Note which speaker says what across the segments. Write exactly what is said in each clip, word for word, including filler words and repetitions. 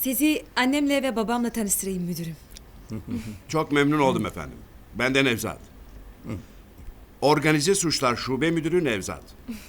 Speaker 1: Sizi annemle ve babamla tanıştırayım müdürüm.
Speaker 2: Çok memnun oldum efendim. Ben de Nevzat. Organize Suçlar Şube Müdürü Nevzat.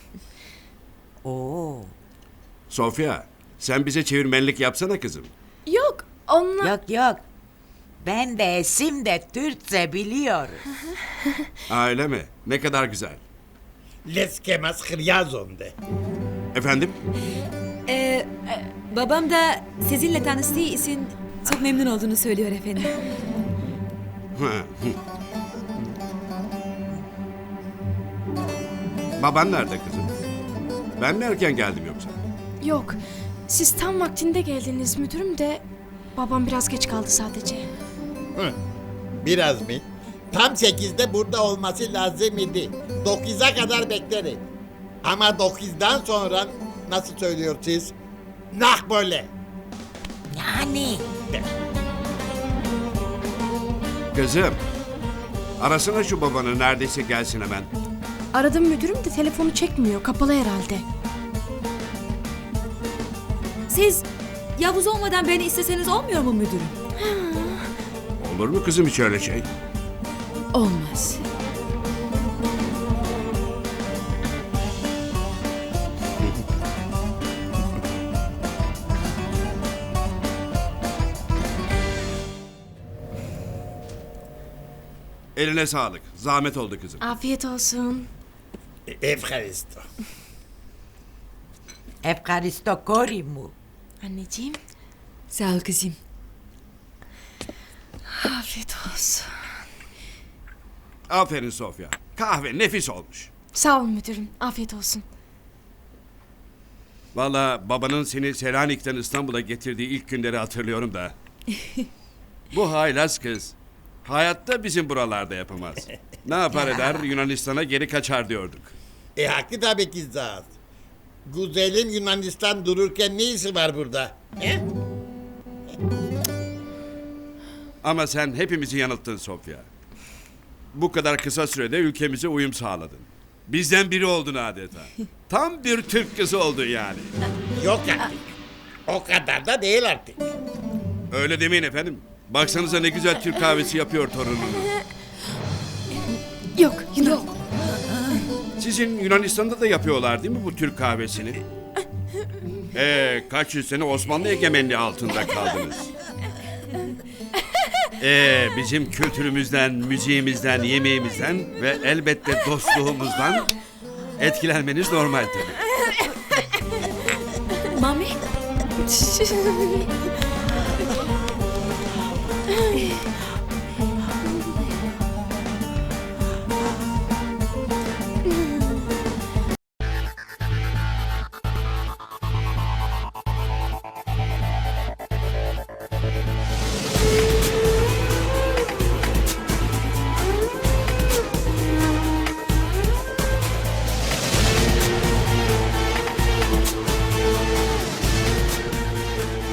Speaker 3: Oo.
Speaker 2: Sofya, sen bize çevirmenlik yapsana kızım.
Speaker 4: Yok, onlar...
Speaker 3: Yok yok. Ben de Esim de Türkçe biliyoruz.
Speaker 2: Aa, öyle mi? Ne kadar güzel.
Speaker 5: Les kemas hryazonde.
Speaker 2: Efendim?
Speaker 1: Ee, babam da sizinle tanıştığı için çok memnun olduğunu söylüyor efendim.
Speaker 2: Hı, hı. Baban nerede kızım? Ben mi erken geldim yoksa?
Speaker 4: Yok, siz tam vaktinde geldiniz müdürüm de... Babam biraz geç kaldı sadece.
Speaker 5: Hı. Biraz mı? Tam sekizde burada olması lazım idi. Dokuza kadar beklerim. Ama dokuzdan sonra nasıl söylüyorsunuz? Nah böyle.
Speaker 3: Yani.
Speaker 2: Kızım, arasana şu babanı, neredeyse gelsin hemen.
Speaker 4: Aradım müdürüm de telefonu çekmiyor, kapalı herhalde.
Speaker 1: Siz Yavuz olmadan beni isteseniz olmuyor mu müdürüm?
Speaker 2: Olur mu kızım hiç öyle şey?
Speaker 1: Olmaz.
Speaker 2: Eline sağlık. Zahmet oldu kızım.
Speaker 4: Afiyet olsun.
Speaker 5: Evharisto.
Speaker 3: Efkaristo korimu.
Speaker 4: Anneciğim,
Speaker 1: Sağ ol kızım.
Speaker 4: afiyet olsun.
Speaker 2: Aferin Sofya. Kahve nefis olmuş.
Speaker 4: Sağ olun müdürüm, afiyet olsun.
Speaker 2: Vallahi babanın seni Selanik'ten İstanbul'a getirdiği ilk günleri hatırlıyorum da. Bu haylaz kız hayatta bizim buralarda yapamaz. Ne yapar eder Yunanistan'a geri kaçar diyorduk.
Speaker 5: E haklı tabii ki zat. Güzelim Yunanistan dururken ne işi var burada? He?
Speaker 2: Ama sen hepimizi yanılttın Sofya. Bu kadar kısa sürede ülkemize uyum sağladın. Bizden biri oldun adeta. Tam bir Türk kızı oldun yani.
Speaker 5: Yok artık. O kadar da değil artık.
Speaker 2: Öyle demeyin efendim. Baksanıza ne güzel Türk kahvesi yapıyor torununu.
Speaker 4: Yok, yok.
Speaker 2: Sizin Yunanistan'da da yapıyorlar değil mi bu Türk kahvesini? Ee, kaç yüz sene Osmanlı egemenliği altında kaldınız. Ee, bizim kültürümüzden, müziğimizden, yemeğimizden ve elbette dostluğumuzdan etkilenmeniz normal tabii.
Speaker 1: Mami?